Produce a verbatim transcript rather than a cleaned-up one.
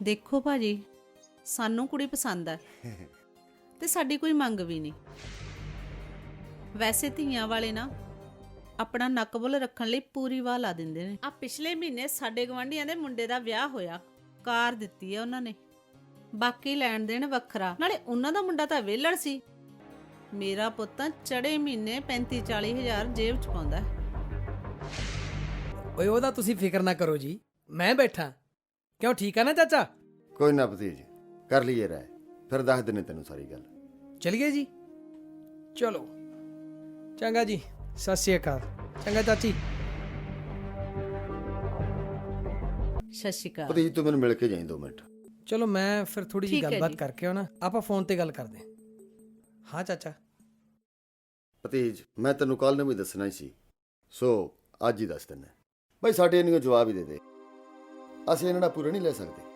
ਦੇਖੋ ਭਾਜੀ, ਸਾਨੂੰ ਕੁੜੀ ਪਸੰਦ ਆ ਤੇ ਸਾਡੀ ਕੋਈ ਮੰਗ ਵੀ ਨਹੀਂ। ਵੈਸੇ ਧੀਆਂ ਵਾਲੇ ਨਾ ਆਪਣਾ ਨੱਕ ਬੁੱਲ ਰੱਖਣ ਲਈ ਪੂਰੀ ਵਾਹ ਲਾ ਦਿੰਦੇ ਨੇ। ਆ ਪਿਛਲੇ ਮਹੀਨੇ ਸਾਡੇ ਗਵਾਂਢੀਆਂ ਦੇ ਮੁੰਡੇ ਦਾ ਵਿਆਹ ਹੋਇਆ, ਕਾਰ ਦਿੱਤੀ ਆ ਉਹਨਾਂ ਨੇ, ਬਾਕੀ ਲੈਣ ਦੇਣ ਵੱਖਰਾ। ਨਾਲੇ ਉਹਨਾਂ ਦਾ ਮੁੰਡਾ ਤਾਂ ਵਿਹਲੜ ਸੀ। ਮੇਰਾ ਪੁੱਤ ਤਾਂ ਚੜੇ ਮਹੀਨੇ ਪੈਂਤੀ ਚਾਲੀ ਹਜ਼ਾਰ ਜੇਬ ਚ ਪਾਉਂਦਾ। ਓਏ ਉਹਦਾ ਤੁਸੀਂ ਫਿਕਰ ਨਾ ਕਰੋ ਜੀ, ਮੈਂ ਬੈਠਾ। ਕਿਉਂ, ਠੀਕ ਆ ਨਾ ਚਾਚਾ? ਕੋਈ ਨਾ ਭਤੀਜ, ਕਰ ਲਈਏ ਰਾਏ, ਫਿਰ ਦੱਸ ਦਿੰਨੇ ਤੈਨੂੰ ਸਾਰੀ ਗੱਲ। ਚਲੀਏ ਜੀ, ਚਲੋ ਚੰਗਾ ਜੀ, ਸਤਿ ਸ਼੍ਰੀ ਅਕਾਲ। ਚੰਗਾ ਚਾਚੀ। ਸਤਿ ਸ਼੍ਰੀ ਅਕਾਲ। ਭਤੀਜ ਤੂੰ ਮੈਨੂੰ ਮਿਲ ਕੇ ਜਾਈਂ ਦੋ ਮਿੰਟ। ਚਲੋ ਮੈਂ ਫਿਰ ਥੋੜੀ ਜਿਹੀ ਠੀਕ ਹੈ ਗੱਲਬਾਤ ਜੀ। ਕਰਕੇ ਆਉਣਾ, ਆਪਾਂ ਫੋਨ ਤੇ ਗੱਲ ਕਰਦੇ ਹਾਂ। ਹਾਂ ਚਾਚਾ। ਭਤੀਜ ਮੈਂ ਤੈਨੂੰ ਕੱਲ ਨੂੰ ਵੀ ਦੱਸਣਾ ਹੀ ਸੀ, ਸੋ ਅੱਜ ਹੀ ਦੱਸ ਦਿੰਦਾ। ਬਈ ਸਾਡੇ ਇਹਨੂੰ ਜਵਾਬ ਹੀ ਦੇ ਦੇ, ਅਸੀਂ ਇਹਨਾਂ ਦਾ ਪੂਰਾ ਨਹੀਂ ਲੈ ਸਕਦੇ।